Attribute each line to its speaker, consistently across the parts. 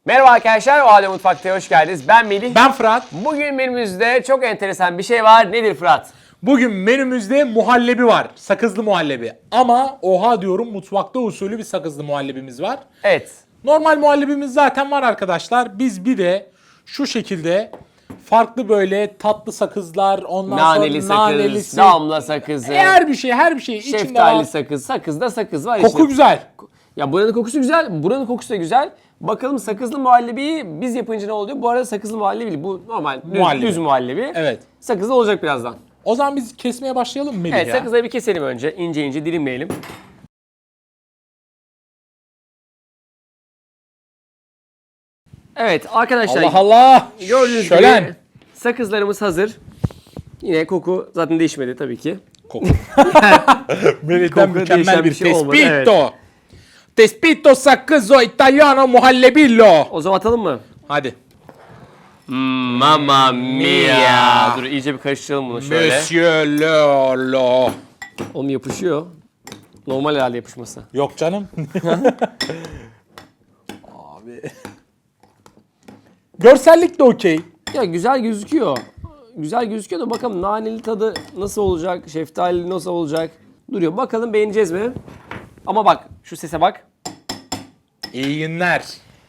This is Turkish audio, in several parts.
Speaker 1: Merhaba arkadaşlar, O Halde Mutfak'ta hoş geldiniz. Ben Melih.
Speaker 2: Ben Fırat.
Speaker 1: Bugün menümüzde çok enteresan bir şey var. Nedir Fırat?
Speaker 2: Bugün menümüzde muhallebi var. Sakızlı muhallebi. Ama oha diyorum, mutfakta usulü bir sakızlı muhallebimiz var.
Speaker 1: Evet.
Speaker 2: Normal muhallebimiz zaten var arkadaşlar. Biz bir de şu şekilde farklı böyle tatlı sakızlar, ondan
Speaker 1: Naneli
Speaker 2: sonra
Speaker 1: sakız,
Speaker 2: nanelisi,
Speaker 1: damla sakızı,
Speaker 2: her bir şey içinde
Speaker 1: şeftali
Speaker 2: var.
Speaker 1: sakız, sakızda sakız var
Speaker 2: Koku
Speaker 1: işte.
Speaker 2: güzel.
Speaker 1: Ya buranın kokusu güzel, buranın kokusu da güzel. Bakalım sakızlı muhallebiyi biz yapınca ne oluyor? Bu arada sakızlı muhallebi değil, bu normal düz muhallebi.
Speaker 2: Evet.
Speaker 1: Sakızlı olacak birazdan.
Speaker 2: O zaman biz kesmeye başlayalım mı Melih
Speaker 1: Evet,
Speaker 2: ya?
Speaker 1: sakızları bir keselim önce. İnce ince dilimleyelim. Evet arkadaşlar.
Speaker 2: Allah Allah.
Speaker 1: Gördüğünüz
Speaker 2: Şölen.
Speaker 1: gibi sakızlarımız hazır. Yine koku zaten değişmedi tabii ki.
Speaker 2: Koku. Melih'ten
Speaker 1: Koku
Speaker 2: mükemmel
Speaker 1: değişen
Speaker 2: bir
Speaker 1: bir şey olmadı,
Speaker 2: tespito. Tespito sakızzo italiano muhallebillo.
Speaker 1: O zaman atalım mı?
Speaker 2: Hadi.
Speaker 1: Mamma mia. Dur iyice bir karıştıralım bunu şöyle.
Speaker 2: Monsieur Lolo.
Speaker 1: Oğlum yapışıyor. Normal herhalde yapışması.
Speaker 2: Yok canım. Abi. Görsellik de okey.
Speaker 1: Ya güzel gözüküyor. Güzel gözüküyor da bakalım naneli tadı nasıl olacak? Şeftali nasıl olacak? Duruyor. Bakalım beğeneceğiz mi? Ama bak şu sese bak.
Speaker 2: İyi günler.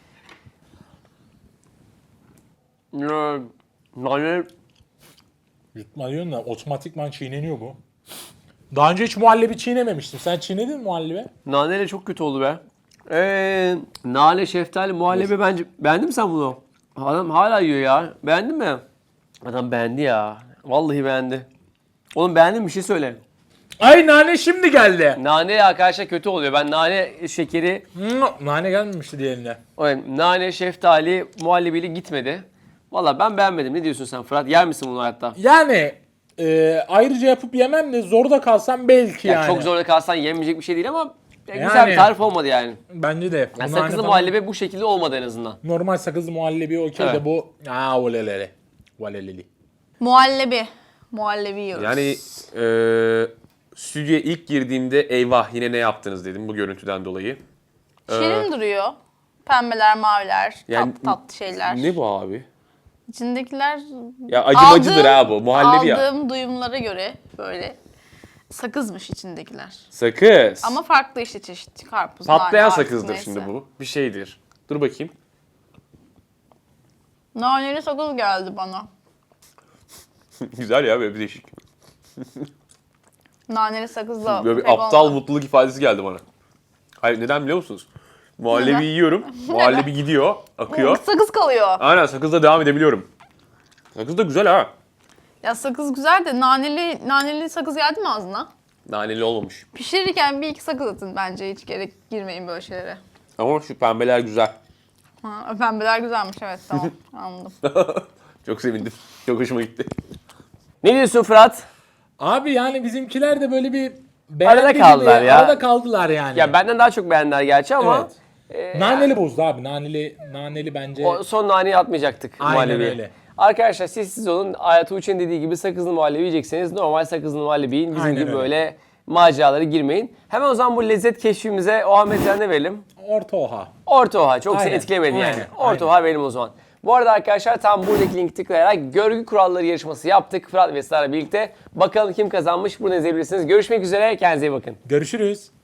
Speaker 1: Nane
Speaker 2: Yutma diyorsun da otomatikman çiğneniyor bu. Daha önce hiç muhallebi çiğnememiştim. Sen çiğnedin mi muhallebi?
Speaker 1: Naneyle çok kötü oldu be. Nane, şeftali, muhallebi bence... Beğendin mi sen bunu? Adam hala yiyor ya. Beğendin mi? Adam beğendi ya. Vallahi beğendi. Oğlum beğendin mi? Bir şey söyle.
Speaker 2: Ay nane şimdi geldi.
Speaker 1: Nane arkadaşlar kötü oluyor. Ben nane şekeri,
Speaker 2: Nane gelmemişti diğerine.
Speaker 1: nane, şeftali, muhallebiyle gitmedi. Valla ben beğenmedim. Ne diyorsun sen Fırat? Yer misin bunu hayatta?
Speaker 2: Yani ayrıca yapıp yemem de zorda kalsam belki
Speaker 1: Ya
Speaker 2: yani.
Speaker 1: çok zorda kalsan yemeyecek bir şey değil ama güzel
Speaker 2: Yani.
Speaker 1: bir tarif olmadı yani.
Speaker 2: Bence de.
Speaker 1: Yani
Speaker 2: Bu nane
Speaker 1: sakızlı
Speaker 2: falan-
Speaker 1: muhallebi bu şekilde olmadı en azından.
Speaker 2: Normal sakızlı muhallebi okey
Speaker 1: Evet.
Speaker 2: de bu. Olelele. Valeleli.
Speaker 3: Muhallebi. Muhallebi yiyoruz.
Speaker 4: Yani stüdyoya ilk girdiğimde eyvah yine ne yaptınız dedim bu görüntüden dolayı.
Speaker 3: Şirin duruyor. Pembeler, maviler,
Speaker 4: Yani
Speaker 3: tatlı şeyler.
Speaker 4: Ne bu abi?
Speaker 3: İçindekiler
Speaker 4: Ya acımacıdır ha bu. Muhallebi ya.
Speaker 3: aldığım duyumlara göre böyle sakızmış içindekiler.
Speaker 4: Sakız.
Speaker 3: Ama farklı işte çeşit. Karpuz,
Speaker 4: Patlayan
Speaker 3: nane, artık
Speaker 4: sakızdır
Speaker 3: neyse.
Speaker 4: şimdi bu. Bir şeydir. Dur bakayım.
Speaker 3: Naneli sakız geldi bana.
Speaker 4: Güzel ya böyle bir değişik.
Speaker 3: Naneli sakızla
Speaker 4: Böyle bir
Speaker 3: pek
Speaker 4: aptal
Speaker 3: olmadı.
Speaker 4: mutluluk ifadesi geldi bana. Hayır neden biliyor musunuz? Muhallebi
Speaker 3: Neden?
Speaker 4: yiyorum. Muhallebi gidiyor, akıyor.
Speaker 3: Sakız kalıyor.
Speaker 4: Aynen sakızla devam edebiliyorum. Sakız da güzel ha.
Speaker 3: Ya sakız güzel de naneli sakız geldi mi ağzına?
Speaker 4: Naneli olmamış.
Speaker 3: Pişirirken bir iki sakız atın bence. Hiç gerek girmeyin böyle şeylere.
Speaker 4: Ama şu pembeler güzel.
Speaker 3: Ha, pembeler güzelmiş, evet, tamam, anladım.
Speaker 4: Çok sevindim. Çok hoşuma gitti.
Speaker 1: Ne diyorsun Fırat?
Speaker 2: Abi yani bizimkiler de böyle bir
Speaker 1: Arada
Speaker 2: beğendi
Speaker 1: kaldılar
Speaker 2: gibi,
Speaker 1: ya.
Speaker 2: Arada kaldılar yani.
Speaker 1: Ya benden daha çok beğendiler gerçi ama
Speaker 2: Naneli bozdu abi. Naneli bence.
Speaker 1: o son naneyi atmayacaktık
Speaker 2: Aynen
Speaker 1: muhallebiye.
Speaker 2: öyle.
Speaker 1: Arkadaşlar siz olun. Ayat Uçen dediği gibi sakızlı muhallebi yiyecekseniz normal sakızlı muhallebi yiyin. Bizim
Speaker 2: Aynen
Speaker 1: gibi
Speaker 2: öyle.
Speaker 1: böyle maceralara girmeyin. Hemen o zaman bu lezzet keşfimize o Ahmet'e ne verelim?
Speaker 2: Orta oha.
Speaker 1: Orta oha. Çok seni
Speaker 2: Aynen,
Speaker 1: etkilemedi yani.
Speaker 2: aynen,
Speaker 1: Orta
Speaker 2: aynen.
Speaker 1: oha verelim o zaman. Bu arada arkadaşlar tam buradaki linki tıklayarak görgü kuralları yarışması yaptık. Fırat ve Sara birlikte. Bakalım kim kazanmış bunu izleyebilirsiniz. Görüşmek üzere. Kendinize iyi bakın.
Speaker 2: Görüşürüz.